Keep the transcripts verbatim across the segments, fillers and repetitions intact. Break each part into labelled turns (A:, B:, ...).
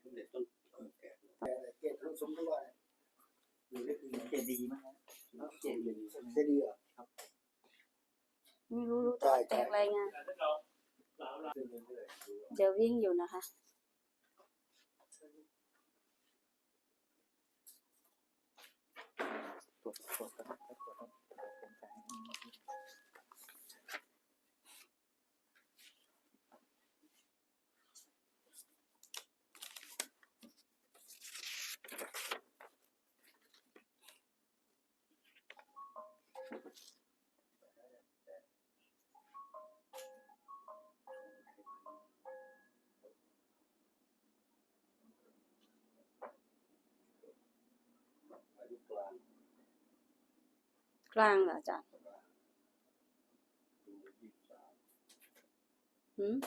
A: สมเด็จต้นแก่
B: เกศรูปสมด้วยอยู่ได้คือ
C: เจดีย์มั้งฮะเจดีย์
B: เจดีย์เหรอครับ
D: ไม่รู้รู้แต่แตกรายงานเดี๋ยววิ่งอยู่นะคะ
C: ตรวจตรวจตรวจตรวจตรวจ
D: กลางเหรออาจารย์หืม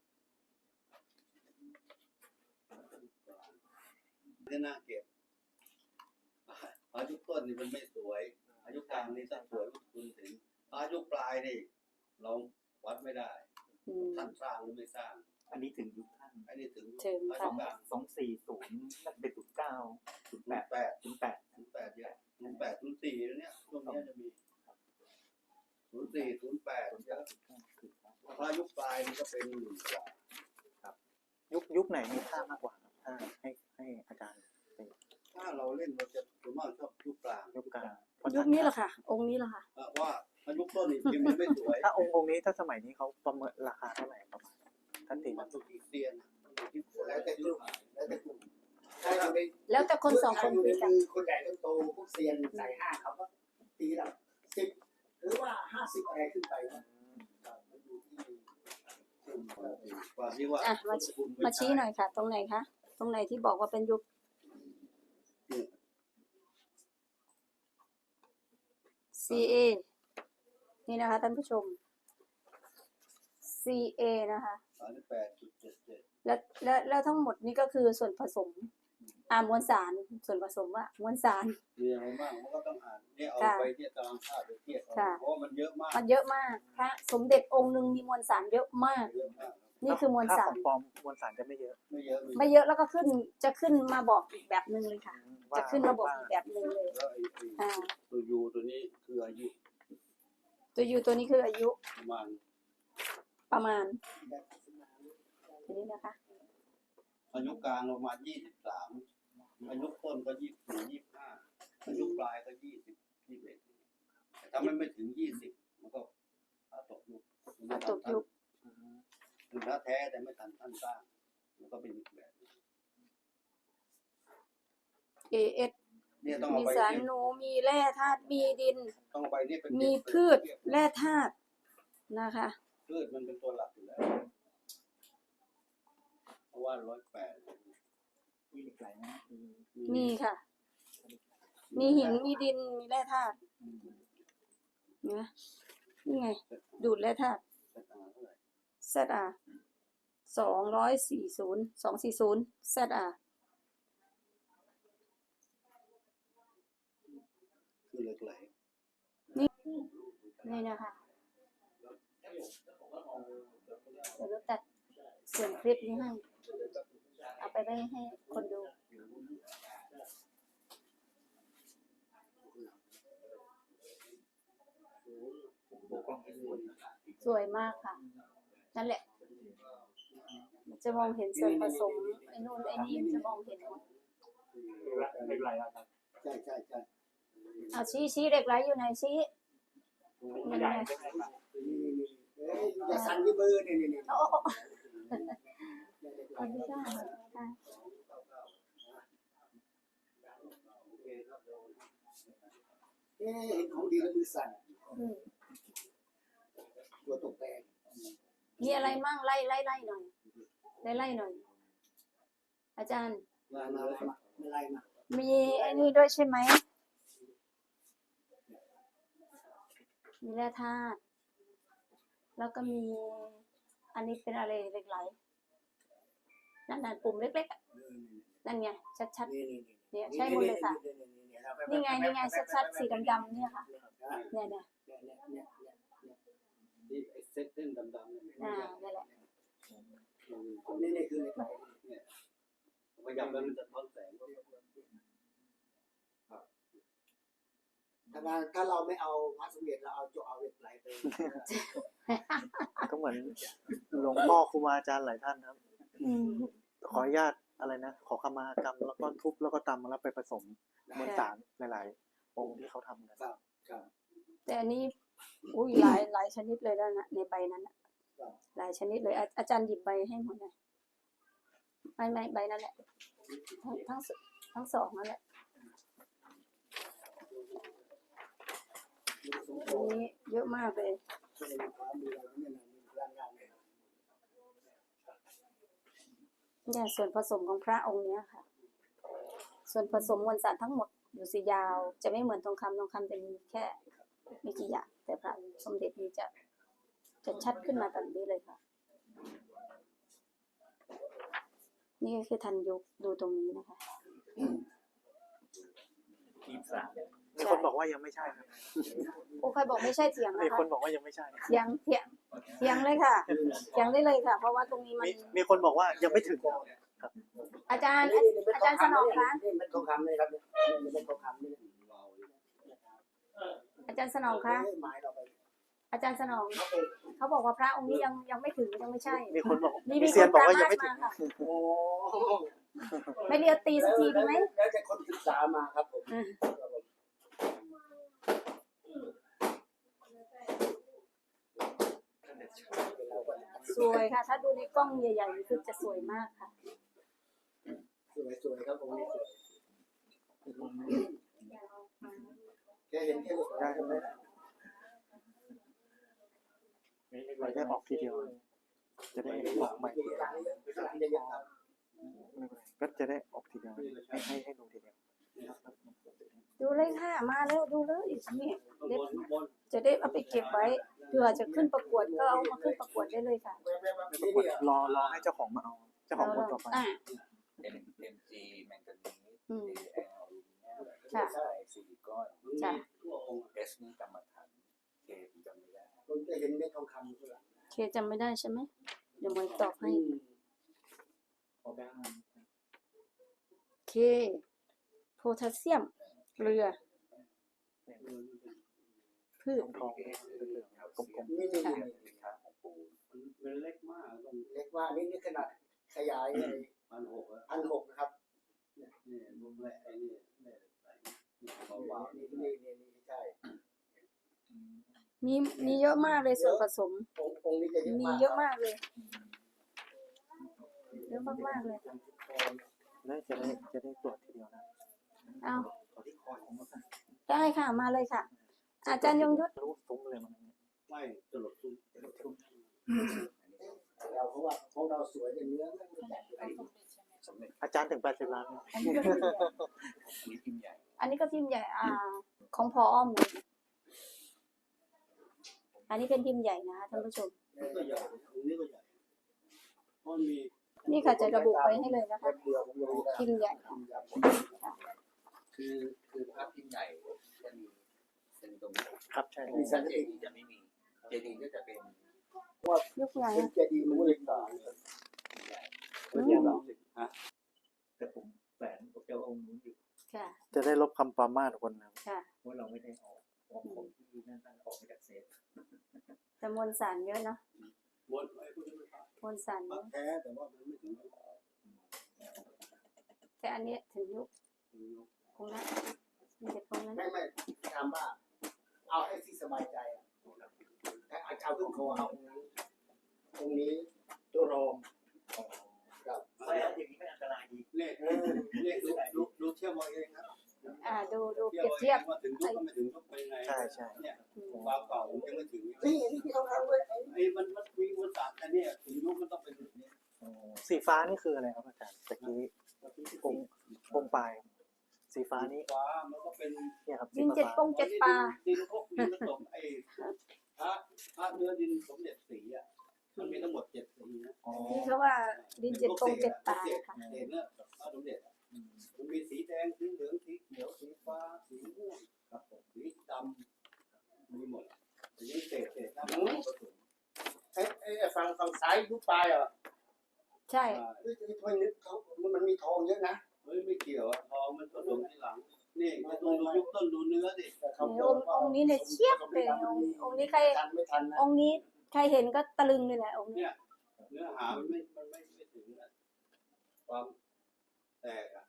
A: ไม่น่าเก็บอายุต้นนี่มันไม่สวยอายุกลางนี่ถ้าสวยคุณถึงอายุปลายนี่เราวัดไม่ได้ท่านสร้างหรือไม่สร้าง
C: อันนี้ถึงยุคท่าน
A: อันนี้ถึง
D: ถึงค่ะ
C: สองสี่ศูนย์นั่นเป็นศูนย์เก้าศูนย์แปดแปดศูนย์แปด
A: ศูนย์แปดเยอะศูนย์แปดศูนย์สี่เนี่ยช่วงนี้จะมีศูนย์สี่ศูนย์แปดเยอะถ้ายุคปลายนี่ก็เป็นหมื่นกว่า
C: ครับยุคยุคไหนมีค่ามากกว่าถ้าให้ให้อาจารย์
A: ถ้าเราเล่นเราจะส่วนมากชอบยุคกลาง
C: ยุคกลาง
D: ยุคนี้แหละค่ะองค์นี้แหละค่ะ
A: ว่ายุคต้นนี่พิมพ์ไม่สวย
C: ถ้าองค์องค์นี้ถ้าสมัยนี้เขาประเมินราคาเท่าไหร่ประมาณท่านตี
A: มันถูกเตียน
B: แล้วแต่ยุคแล้วแต่กลุ่ม
D: แล้วแต่คนสองคนคุยกัน
B: คนใหญ่ต้องโตพวกเซียนใส่ห้าเขาก็ตีละสิบหรือว่าห้าสิบอะไรขึ้นไปนะมันอยู่ที่
A: ว่า
D: อ่ะมามาชี้หน่อยค่ะตรงไหนคะตรงไหนที่บอกว่าเป็นยุค ซี เอ นี่นะคะท่านผู้ชม ซี เอ นะคะแล้วแล้วแล้วทั้งหมดนี่ก็คือส่วนผสมอ่ามวลสารส่วนผสมว่ามวลสาร
A: มีอะไรบ้างมันก็ต้องอ่านเนี่ยเอาไปเทียบตารางธาตุไปเทียบเพราะมันเยอะมาก
D: มันเยอะมากพระสมเด็จองค์หนึ่งมีมวลสารเยอะมากนี่คือมวลสาร
C: ปลอมมวลสารจะไม่เยอะ
A: ไม่เยอะ
D: ไม่เยอะแล้วก็ขึ้นจะขึ้นมาบอกอีกแบบนึงเลยค่ะจะขึ้นมาบอกอีกแบบนึงเลยอ่า
A: ตัวยูตัวนี้คืออายุ
D: ตัวยูตัวนี้คืออายุ
A: ประมาณ
D: ประมาณนี้นะคะ
A: อายุกลางประมาณยี่สิบสามอายุต้นก็ยี่สิบสี่ยี่สิบห้าอายุปลายก็ยี่สิบยี่สิบเอ็ดถ้ามันไม่ถึงยี่สิบมันก็ตกยุค
D: ตกยุค
A: คือถ้าแท้แต่ไม่ทันท่านสร้างมันก็เป็นอีกแบบ
D: เอ เอส มีสารหนูมีแร่ธาตุมีดินมีพืชแร่ธาตุนะคะ
A: พืชมันเป็นตัวหลักอยู่แล้วเพราะว่าร้อยแปด
C: มีเหล็กไหลนะ
D: มีค่ะมีหินมีดินมีแร่ธาตุนะนี่ไงดูดแร่ธาตุเซตอาสองร้อยสี่ศูนย์สองสี่ศูนย์เซตอา
A: คือเหล็กไหล
D: นี่นี่นะคะเดี๋ยวเราตัดส่วนคลิปนี้ให้เอาไปได้ให้คนดูสวยมากค่ะนั่นแหละจะมองเห็นส่วนผสมไอ้นู่นไอ้นี่จะมองเห็นหมด
C: เหล็กไหลครับ
B: ใช่ใช่ใช่
D: เอาชี้ชี้เหล็กไหลอยู่ไหนชี้
B: นี่ไงจะสั่นที่มือนี่นี่นี่
D: โอ้อันนี้ก็ค่ะ
B: เอ๊ะเห็นของดีแล้วมือสั่นตัวตกแตก
D: มีอะไรมั่งไล่ไล่ไล่หน่อยไล่ไล่หน่อยอาจารย์
B: มามามาไล่มา
D: มีไอ้นี่ด้วยใช่ไหมมีแร่ธาตุแล้วก็มีอันนี้เป็นอะไรเหล็กไหลนั่นน่ะปุ่มเล็กๆนั่นไงชัดๆเนี่ยใช่หมดเลยค่ะนี่ไงนี่ไงชัดๆสีดำๆเนี่ยค่ะเนี่ยเนี่ย
A: นี่ไอ้เส้นเส้นดำๆเนี่ย
D: อ่านั่นแหละ
B: นี่นี่คือเหล็กไหล
A: เนี่ยไว้มันจะท้อนแสงก็
B: ถ้าเราถ้าเราไม่เอาพระสมเด็จเราเอาโจเอาเหล็กไหลไป
C: ก็เหมือนหลวงพ่อครูบาอาจารย์หลายท่านครับ
D: อืม
C: ขออนุญาตอะไรนะ ขอขมากรรมแล้วก็ทุบแล้วก็ตำแล้วไปผสมมวลสารหลายๆองค์ที่เขาทำกัน
B: ครับครับ
D: แต่อันนี้อุ้ยหลายหลายชนิดเลยแล้วนะในใบนั้นน่ะหลายชนิดเลยอาอาจารย์หยิบใบให้หมดเลยไม่ไม่ใบนั่นแหละทั้งทั้งสทั้งสองนั่นแหละอันนี้เยอะมากเลย
B: ช่วยในความมีเราเนี่ยนะมีพลังงานเนี่ย
D: เนี่ยส่วนผสมของพระองค์เนี้ยค่ะ ส่วนผสมมวลสารทั้งหมดอยู่สียาว จะไม่เหมือนทองคำทองคำจะมีแค่ไม่กี่อย่างแต่พระสมเด็จนี้จะจะชัดขึ้นมาแบบนี้เลยค่ะ นี่ก็คือทันยุคดูตรงนี้นะคะ
E: ทีมสาม
C: มีคนบอกว่ายังไม่ใช่ครับ
D: โอ้ใครบอกไม่ใช่เถียง
C: มี
D: นะ
C: ค
D: คะ
C: นบอกว่ายังไม่ใช่
D: เถียงเถียงเถียงเลยค่ะเถียงได้เลยค่ะ เพราะว่าตรงนี้มัน
C: มีมีคนบอกว่ายังไม่ถึง
D: อาจารย์อาจารย์สนองคะ
B: นี่เป็นทองคำเลยครับเนี่ยนี่เป็นทองคำนี่
D: อาจารย์สนองคะ
B: ไม้เราไป
D: อาจารย์สนอง
B: เขาไป
D: เขาบอกว่าพระองค์นี้ยังยังไม่ถึงยังไม่ใช่
C: มีคนบอก
D: มี
C: มี
D: มีค
C: เซียน
D: น
C: บอก
D: ตาม
C: ว่ายัง
D: มา
C: ไม่ถึง
D: ค่ะ
B: โอ้
D: ไม่เรียกตีสักทีดีไหม
B: แล้วแต่คนศึกษามาครับผม
D: อืม สวยค่ะ ถ้าดูในกล้องใหญ่ๆคือจะสวยมากค่ะ
B: สวยสวยครับผมนี่สวยแกเห็นแค่ลูกได้ไหม
C: เราได้ออกทีเดียว จะได้ออกใหม่
B: อยู่ข้างหลังเยอะข้างหลังเยอะครับ
C: ก็จะได้ออกทีเดียวให้ให้ให้ดูทีเดียว
D: ดูเลยค่ะ มาแล้วดูเลยนี่
A: ข้าง
D: เด็ด
A: บนข้างบน
D: จะได้เอาไปเก็บไว้เผื่อจะขึ้นประกวดก็เอามาขึ้นประกวดได้เลยค่ะ
C: ปรากฏรอรอให้เจ้าของมาเอา เจ้าของคนต่อไป
D: อ่า
E: เอ็มเอ็มจีแมงกานีส
D: อืม
E: เอแอล
D: ค่ะ
E: ใช่ซิลิคอน
D: จ้ะ
A: ทั่วองค์
E: เอสนี่กรรมฐานเคผมจำไม่ได้
B: ผมจะเห็นเม็ดทองคำข้างหลัง
D: เคจำไม่ได้ใช่ไหมเดี๋ยวมวยตอบให้
E: ขอแบงค์
D: เคโพแทสเซียมเกลือพืช
C: ทองเหลืองๆกลม
B: นี่นี่
D: ค่ะ
B: นี่
E: สินค้าของปู
A: เป็นเล็กมากต้อง
B: เล็กว่านี่นี่ขนาดขยายเลย
A: พันหกอะ
B: พันหกนะครับ
A: นี่รวมแหละไอ้นี่แหละไอ้นี่เบาๆ
B: นี่
A: นี่
B: นี่นี่นี่ใช่
D: มีมีเยอะมากเลยส่วนผสม
B: องค์องค์นี้จะเยอะ
D: มี
B: มาก
D: เยอะมากเลย เยอะมากๆเลย
C: ๆแล้วจะได้จะได้ตรวจทีเดียวนะ
D: เอา
C: ขอที่คอของมัน
D: ได้ค่ะมาเลยค่ะ อาจารย์ยงยุทธ
C: รู้ซุ้มเลยมัน
A: ไม่ตลกตุ้ม
B: เราเพราะว่าของเราสวยแต่เนื้อไม่รู้จักอยู่
E: สมเด็จ
C: อาจารย์ถึงแปดสิบล้าน
D: อันนี้ก็พิมพ์ใหญ่
E: อันนี้พิมพ์ใหญ่
D: อันนี้ก็พิมพ์ใหญ่อ่า ของพออ้อมเลยอันนี้เป็นพิมพ์ใหญ่นะคะท่านผู้ชม
A: นี่ก็ใหญ่ตรงนี้ก็ใหญ่เพราะมี
D: นี่ค่ะจะระบุไว้ให้เลยนะคะ
B: เดียวผมรู้แล้ว
D: พิมพ์ใหญ่
E: คือคือภาพพิมพ์ใหญ่จะมีเป็นตรงนี้
C: ครับใช่
E: แต่เจดีจะไม่มีเจดีก็จะเป็น
D: ยุคไหน
B: เป็นเจดีย์มันเลยต่าง
D: อืม
E: แต่ผมแฝงกับเจ้าองค์นู้นอยู่
D: ค่ะ
C: จะได้ลบคำปรามาสคนนะ
D: ค่ะ
E: เพราะเราไม่ได้ออกออกของที่นั่นนั่นออกมาจากเซฟ
D: แต่มวลสารเยอะเนาะ
A: วนไอ้พวกนี้มัน
D: มวลสารเย
A: ปัก
D: อะ
A: แท้แต่ว่ามันไม่ถึง
D: แต่อันเนี้ยถึงยุคคงนั้นมีแต่คงนั้น
B: ไม่ไม่ถามว่าเอาให้ที่สบายใจอ่ะถ้าเอาขึ้นคอเอาตรงนี้ตัวรองครับ
E: แล้วอย่างนี้ไม่อันตรายดี
A: เนี่ยเนี่ยดูดูดูเทียบเอาเองนะ
D: อ่าดูดูเป
A: เทีย
D: รี
A: บ
D: ยบ
A: เอา
D: เที
A: เอย
D: บ
A: งว่าถึงยุคก็ไม่ถึงยุคเป็นไง
C: ใช่ใช่
A: เนี่ย
D: อืม
A: ความเก่าผมยังไม่ถึง
B: นี่นี่ที่เขาทำด้วย
A: ไอ้มันมันมีวนศาสตร์อันนี้ถึงยุคมันต้องเป็นแบบนี้
C: สีฟ้านี่คืออะไรครับอาจารย์ตะกี้องค์องค์ปลาย สีฟ้านี่
A: ฟ้ามันก็เป็น
C: เนี่ยครับสี
D: ดินเจ็ด
C: ฟ้า
D: ปงเจ็ดปลา
A: ดินพวกดินผสมไอ้พระพระเนื้อดินสมเด็จสีอ่ะมันมีทั้งหมดเจ็ดสีนะ
C: อ๋อ
D: ที่เขาว่าดินเจ็ดปงเจ็ดปลาค่ะ
A: เห็นเนี่ยพระสมเด็จมันมีสีแดงสีเหลืองสีเขียวสีฟ้าสีม่วงครับผมสีดำมีหมดทีนี้เศษเศษน้ำมันผสม
B: ไอ้ไอ้ฝั่งฝั่งซ้ายยุบปลายเหรอ
D: ใช่
B: เฮ้ยทำไมนึกเขามันมีมีทองเยอะนะ
A: เฮ้ยไม่เกี่ยวอะทองมันผสมทีหลัง นี่จะดูดูยุคต้นดูเนื้อดิ
B: แต่เขา
D: องค์องค์นี้เนี่ยเชียบเลยองค์องค์นี้ใคร
B: ทันไม่ทันนะ
D: องค์นี้ใครเห็นก็ตะลึงเลยแหละองค์นี้
A: เนี่ยเนื้อหามันไม่มันไม่ไม่ถึงอะความแตกอะ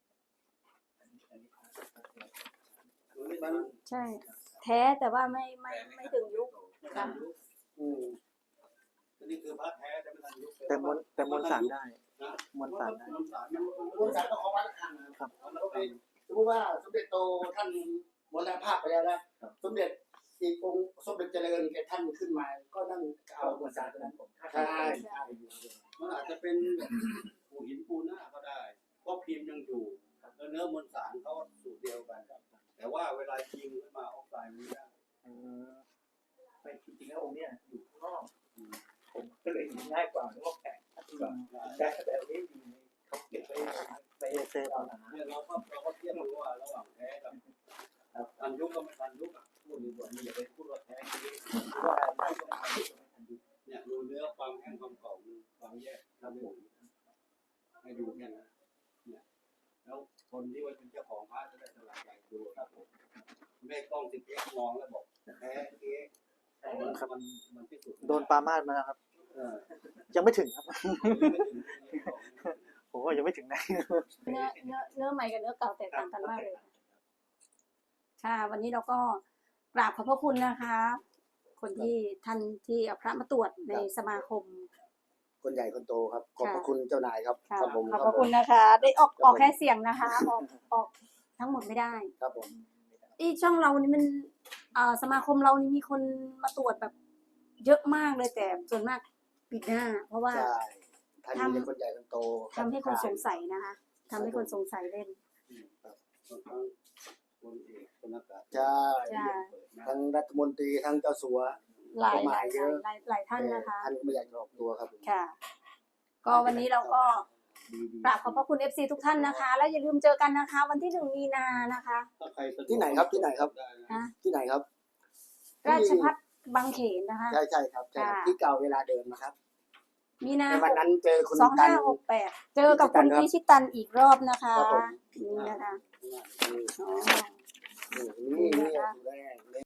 A: มันไม่มัน
D: ใช่ แท้แต่ว่าไม่ไม่ไม่ถึงยุค
A: ไม่ทันยุคอืมอันนี้คือพระแท้แต่ไม่ทันยุค
C: แต่มวลแต่มวลสารได้
A: นะ
C: มวลสารได้
A: มวลสารมัน
B: รวมสารก็ของวัดละคังนะครับ
A: มันเป็น
B: สมมติว่าสมเด็จโตท่านมรณภาพไปแล้วนะสมเด็จอีกองค์สมเด็จเจริญแกท่านขึ้นมา ก็นั่งเอามวลสารตรงนั้นใช่ใช่
A: มันอาจจะเป็นปูหินปูหน้าก็ได้เพราะพิมพ์ยังอยู่แล้วเนื้อมวลสารเขาสูตรเดียวกันแต่ว่าเวลายิงขึ้นมาออกไซด์มันไม่ได้
E: ไม่จริงๆแล้วองค์เนี้ยอยู่ข้างนอกผมก็เลยเห็นง่ายกว่านึกว่าแปะแต่แต่นี้ดีเขาเก็บไว้ไปเซฟเอาหนา
A: เนี่ยเราก็เราก็เทียบดูว่าระหว่างแท้กับทันยุคก็ไม่ทันยุคอ่ะพูดดีกว่านี่อย่าไปพูดว่าแท้ทีนี้
E: ว่าได้ก็ไม่ทันยุคก็ไม่ทันยุค
A: เนี่ยดูเนื้อความแห้งความเก่าดูความแยกครับผมให้ดูแค่นั้นเนี่ยแล้วคนที่ว่าเป็นเจ้าของพระจะได้สลายใจดูครับผมไม่กล้องติดเอ็กมองแล้วบอกแท้เก๊มันมันมันที่สุด
C: โดนปลามาดมาแล้วครับ
A: เออ
C: ยังไม่ถึงครับ ผมว่ายังไม่ถึงไหน
D: เนื้อเนื้อเนื้อใหม่กับเนื้อเก่าแตกต่างกันมากเลยค่ะวันนี้เราก็กราบขอบพระคุณนะคะ คนที่ท่านที่เอาพระมาตรวจในสมาคม
B: คนใหญ่คนโตครับ ขอบพระคุณเจ้านายครับ
D: ค่ะ
B: ครับผม
D: ขอบพระคุณนะคะ ได้ออกออกแค่เสียงนะคะออกออกทั้งหมดไม่ได้
B: ครับผม
D: ที่ช่องเรานี่มันเอ่อสมาคมเรานี่มีคนมาตรวจแบบ เยอะมากเลยแต่ส่วนมากปิดหน้า เพราะว่า
B: ใช่ท่านมีคนใหญ่คนโต
D: ทำให้คนสงสัยนะคะทำให้คนสงสัยเล่น
A: บางครั้งคนเอกคนอากาศ
B: ใช่
D: ใช่
B: ทั้งรัฐมนตรีทั้งเจ้าสัว
D: หลาย
B: ประ
D: ห
B: มา
D: ลา
B: ณ
D: ย
B: เยอะ
D: หลายหลายท่านนะคะ
B: ท่านก็ไม่อยากจะออกตัวครับผม
D: ค่ะ ก็วันนี้เราก็
A: ดีดี
D: กราบขอบพระคุณ เอฟ ซี ทุกท่านนะคะ แล้วอย่าลืมเจอกันนะคะ วันที่หนึ่งมีนานะคะ
A: ถ้าใครสะดวก
B: ที่ไหนครับที่ไหนครับ
A: ได้นะ
D: นะ
B: ที่ไหนครับ
D: ราชพัฒบางเขนนะคะ
B: ใช่ใช่ครับใช่ครับ
D: ค่ะ
B: ที่เก่าเวลาเดิมนะครับ
D: มีนา
B: ในวันนั้นเจอคุณ
D: สอง
B: ตั
D: ห้าน หกแปดเจอกับคุณพิชิตันอีกรอบนะคะ
B: ครับผม
D: นี่นะคะ
B: นี่
D: อ๋อ
B: นี่นี่อยู่แรก